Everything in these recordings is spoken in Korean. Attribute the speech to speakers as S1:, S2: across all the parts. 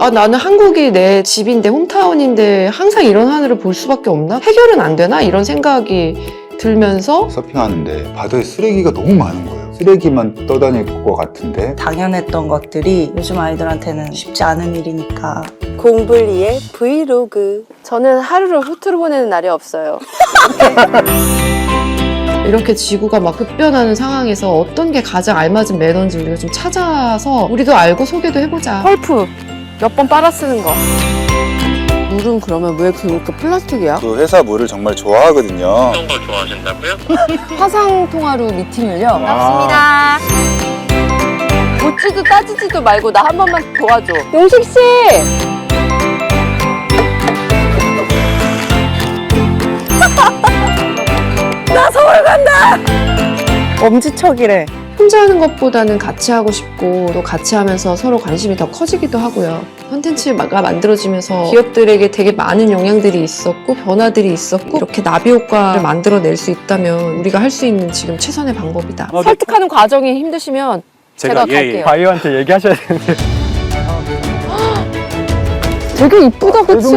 S1: 아, 나는 한국이 내 집인데 홈타운인데 항상 이런 하늘을 볼 수밖에 없나? 해결은 안 되나? 이런 생각이 들면서
S2: 서핑하는데 바다에 쓰레기가 너무 많은 거예요. 쓰레기만 떠다닐 것 같은데
S3: 당연했던 것들이 요즘 아이들한테는 쉽지 않은 일이니까.
S4: 공블리의 브이로그. 저는 하루를 후투로 보내는 날이 없어요.
S1: 이렇게 지구가 막 급변하는 상황에서 어떤 게 가장 알맞은 매너인지 우리가 좀 찾아서 우리도 알고 소개도 해보자.
S4: 펄프 몇 번 빨아 쓰는 거. 물은 그러면 왜 그렇게 플라스틱이야?
S2: 그 회사 물을 정말 좋아하거든요.
S5: 어떤 걸 좋아하신다고요?
S4: 화상 통화로 미팅을요.
S2: 와.
S4: 묻지도 따지지도 말고 나 한 번만 도와줘. 용식 씨. 나 서울 간다.
S3: 엄지척이래.
S1: 혼자 하는 것보다는 같이 하고 싶고 또 같이 하면서 서로 관심이 더 커지기도 하고요. 콘텐츠가 만들어지면서 기업들에게 되게 많은 영향들이 있었고 변화들이 있었고 이렇게 나비 효과를 만들어낼 수 있다면 우리가 할 수 있는 지금 최선의 방법이다.
S4: 설득하는 과정이 힘드시면 제가 갈게요.
S6: 바이오한테 얘기하셔야 되는데.
S4: 되게 이쁘다, 그치?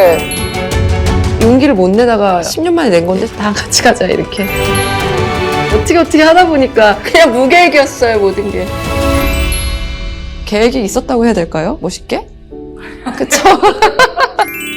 S1: 용기를 못 내다가 10년 만에 낸 건데 다 같이 가자 이렇게. 어떻게 하다 보니까 그냥 무계획이었어요, 모든 게. 계획이 있었다고 해야 될까요? 멋있게? 그쵸?